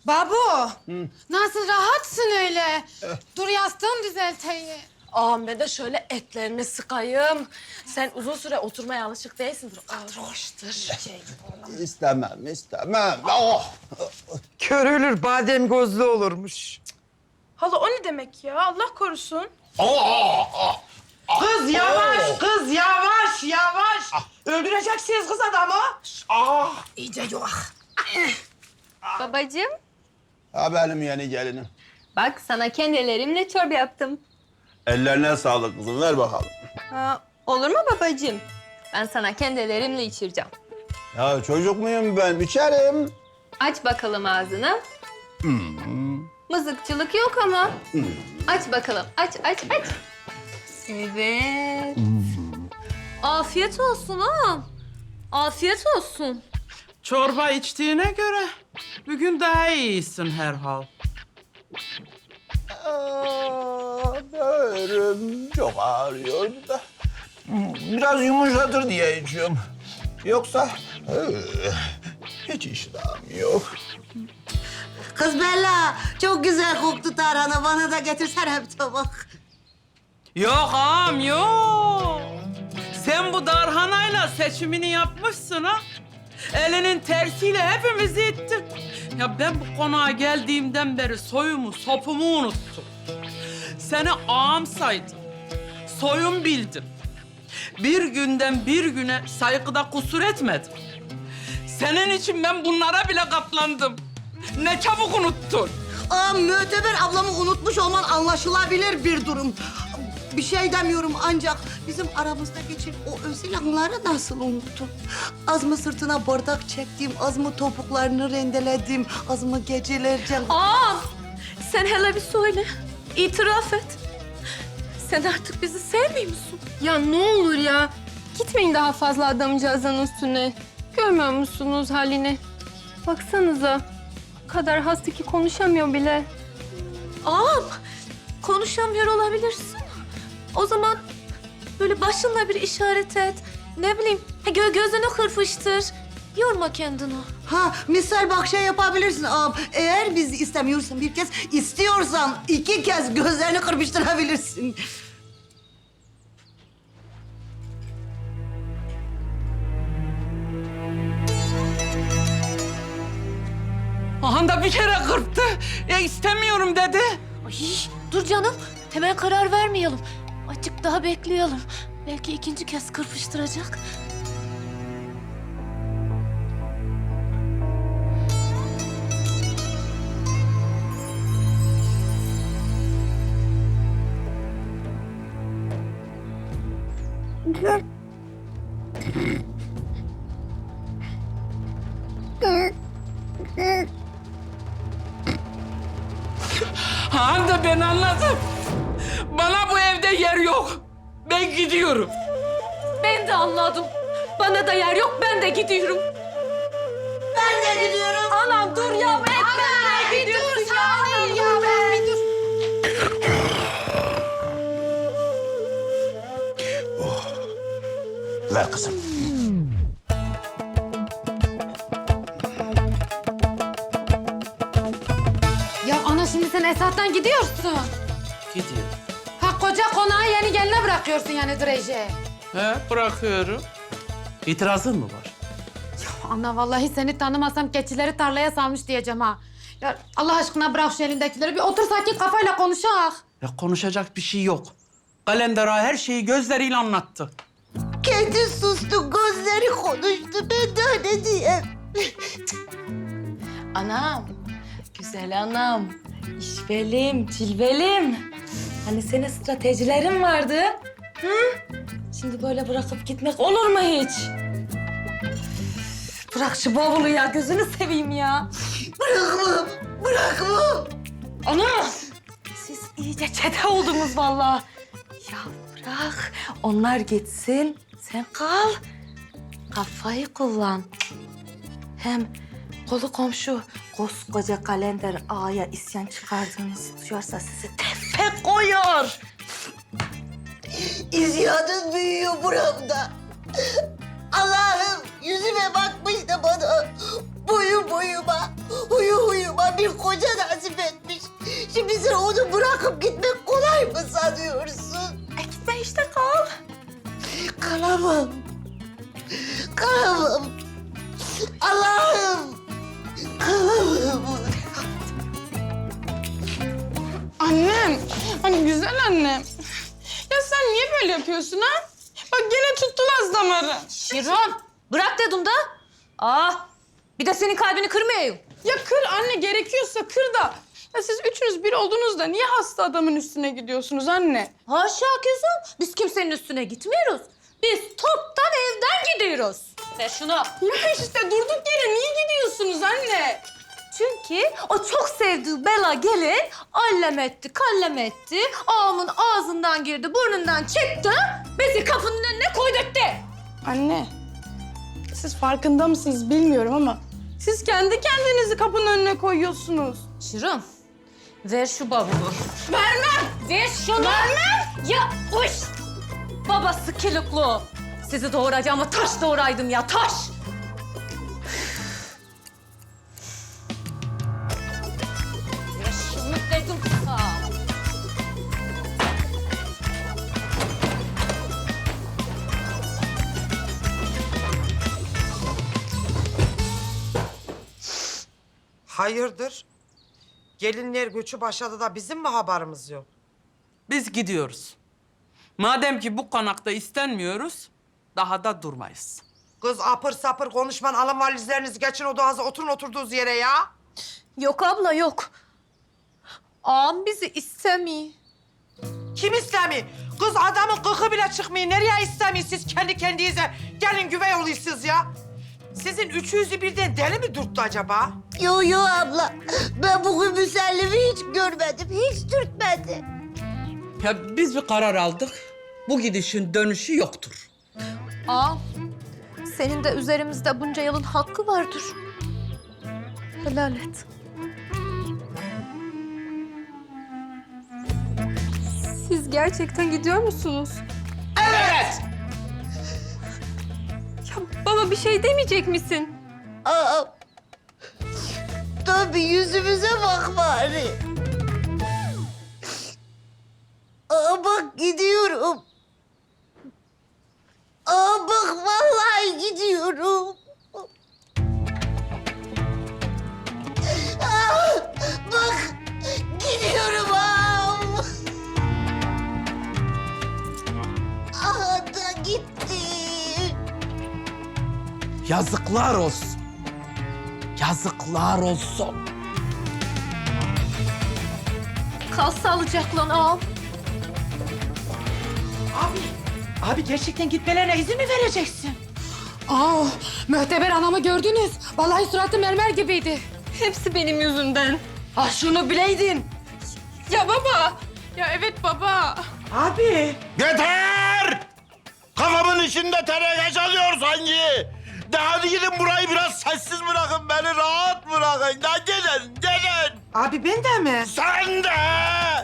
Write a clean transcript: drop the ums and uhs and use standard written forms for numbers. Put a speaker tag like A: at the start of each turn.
A: Babu, nasıl rahatsın öyle? Dur yastığını düzelteyim.
B: Ağam ben de şöyle etlerini sıkayım. Sen uzun süre oturmaya alışık değilsindir. Oturmuştur.
C: İstemem. Oh!
D: Kör ölür, badem gözlü olurmuş.
E: Hala o ne demek ya? Allah korusun.
D: Kız yavaş, kız yavaş. Öldüreceksiniz kız adamı.
A: İyice yuvar.
F: Babacığım,
C: Ha benim yeni gelinim.
F: bak sana kendi ellerimle çorba yaptım.
C: Ellerine sağlık kızım, ver bakalım.
F: Olur mu babacığım? Ben sana kendi ellerimle içireceğim.
C: Ya çocuk muyum ben? İçerim.
F: Aç bakalım ağzını. Mızıkçılık yok ama. Aç bakalım, aç. Evet. Afiyet olsun ağam. Afiyet olsun.
G: Çorba içtiğine göre bugün daha iyisin herhal.
C: Böğrüm çok ağrıyordu da. Biraz yumuşatır diye içiyorum. Yoksa hiç iştahım yok.
H: Kız Bella, çok güzel koktu tarhana. Bana da getirsene bir tabak.
G: Yok ağam yok. Sen bu darhanayla seçimini yapmışsın ha. Elinin tersiyle hepimizi ittin. Ya ben bu konağa geldiğimden beri soyumu, sopumu unuttum. Seni ağam saydım. Soyum bildim. Bir günden bir güne saygıda kusur etmedim. Senin için ben bunlara bile katlandım. Ne çabuk unuttun.
H: Müteber ablamı unutmuş olman anlaşılabilir bir durum. Bir şey demiyorum ancak bizim aramızda geçen o özel anları nasıl unuttun? Az mı sırtına bardak çektim, az mı topuklarını rendeledim, az mı gecelerce...
B: Ağam sen hele bir söyle. İtiraf et. Sen artık bizi sevmiyor musun?
F: Ya ne olur ya. Gitmeyin daha fazla adamcağızın üstüne. Görmüyor musunuz halini? Baksanıza. O kadar hasta ki konuşamıyor bile.
B: Ağam konuşamıyor olabilirsin. O zaman böyle başınla bir işaret et. Ne bileyim gözünü kırpıştır. Yorma kendini.
H: Misal bak şey yapabilirsin ağam. Eğer biz istemiyorsan bir kez, istiyorsan 2 kez gözlerini kırpıştırabilirsin.
G: Ahan da bir kere kırptı. Ya istemiyorum dedi.
B: Ay, dur canım. Hemen karar vermeyelim. Azıcık daha bekleyelim. Belki 2. kez kırpıştıracak.
G: Han da ben anladım. Bana bu evde yer yok. Ben gidiyorum.
B: Ben de anladım. Bana da yer yok, ben de gidiyorum.
H: Ben de gidiyorum.
B: Anam dur ya, etme.
A: Bir dur saniye ya, bir dur.
C: Ver kızım.
A: Ya ana şimdi sen Esat'tan gidiyorsun.
G: Gidiyorum.
A: Ha koca konağı yeni geline bırakıyorsun yani Drej'e.
G: He bırakıyorum. İtirazın mı var?
A: Ana vallahi seni tanımasam keçileri tarlaya salmış diyeceğim ha. Ya Allah aşkına bırak şu elindekileri bir otur sakin kafayla konuşak.
G: Ya konuşacak bir şey yok. Kalender ağa her şeyi gözleriyle anlattı.
H: Kendi sustu, gözleri konuştu. Ben de ne diyeyim?
B: Anam, güzel anam. İşvelim, cilvelim. Hani senin stratejilerin vardı. Hı? Şimdi böyle bırakıp gitmek olur mu hiç? Bırak şu bavulu ya, gözünü seveyim ya.
H: Bırakmam.
B: Ana! Siz iyice çete oldunuz vallahi. Ya bırak, onlar gitsin, sen kal. Kafayı kullan. Hem kolu komşu koskoca kalender ağaya isyan çıkardığınızı duyarsa sizi tefe koyar.
H: İsyanın büyüyor buramda. Allah'ım yüzüme bakmış da bana boyuma, huyu huyuma bir bir koca nasip etmiş. Şimdi sen onu bırakıp gitmek kolay mı sanıyorsun?
B: Gitme işte kal.
H: Kalamam. Kalamam. Allah'ım. Kalamam.
E: Annem, hani güzel annem. Ya sen niye böyle yapıyorsun ha? Bak gene tuttu Laz damarı.
B: Şirin bırak dedim da. Bir de senin kalbini kırmayayım.
E: Ya kır anne, gerekiyorsa kır da. Ya siz üçünüz bir olduğunuzda niye hasta adamın üstüne gidiyorsunuz anne?
B: Haşa kızım. Biz kimsenin üstüne gitmiyoruz. Biz toptan evden gidiyoruz. Ver şunu.
E: Ya işte durduk yere niye gidiyorsunuz anne?
B: Çünkü o çok sevdiği bela gelin allem etti, kallem etti. Ağamın ağzından girdi, burnundan çıktı. Bizi kapının önüne koydurttu.
E: Anne, siz farkında mısınız bilmiyorum ama siz kendi kendinizi kapının önüne koyuyorsunuz.
B: Şirin, ver şu bavulu.
E: Vermem!
B: Ver şunu.
E: Vermem!
B: Ya uş! Babası kilikli. Sizi doğuracağıma taş doğuraydım ya, taş! Ver şunu dedim sana.
D: Hayırdır? Gelinler göçü başladı da bizim mi haberimiz yok?
G: Biz gidiyoruz. Madem ki bu konakta istenmiyoruz, daha da durmayız.
D: Kız apır sapır konuşman, alın valizlerinizi geçin odanıza, oturun oturduğunuz yere ya.
B: Yok abla yok. Ağam bizi istemiyor.
D: Kim istemiyor? Kız adamın kıkı bile çıkmıyor. Nereye istemiyor siz kendi kendinize? Gelin güvey oluyorsunuz ya. Sizin üçünüzü birden deli mi dürttü acaba?
H: Yo abla. Ben bugün müsellimi hiç görmedim. Hiç dürtmedi.
G: Ya biz bir karar aldık. Bu gidişin dönüşü yoktur.
F: Ağam, senin de üzerimizde bunca yılın hakkı vardır. Helal et. Siz gerçekten gidiyor musunuz?
D: Evet.
F: Ya baba bir şey demeyecek misin?
H: Aa, tabii yüzümüze bak bari. Bak gidiyorum. Bak vallahi gidiyorum. Bak gidiyorum ağam. Da gitti.
G: Yazıklar olsun. Yazıklar olsun.
F: Kal sağlıcakla ağam.
D: Abi gerçekten gitmelerine izin mi vereceksin?
A: Mühteber anamı gördünüz. Vallahi suratı mermer gibiydi.
F: Hepsi benim yüzümden.
D: Şunu bileydin.
E: Ya baba! Ya evet baba.
D: Abi.
C: Yeter! Kafamın içinde teneke çalıyor sanki. De hadi gidin burayı biraz sessiz bırakın, beni rahat bırakın. De gidin, gidin.
D: Abi ben de mi?
C: Sen de!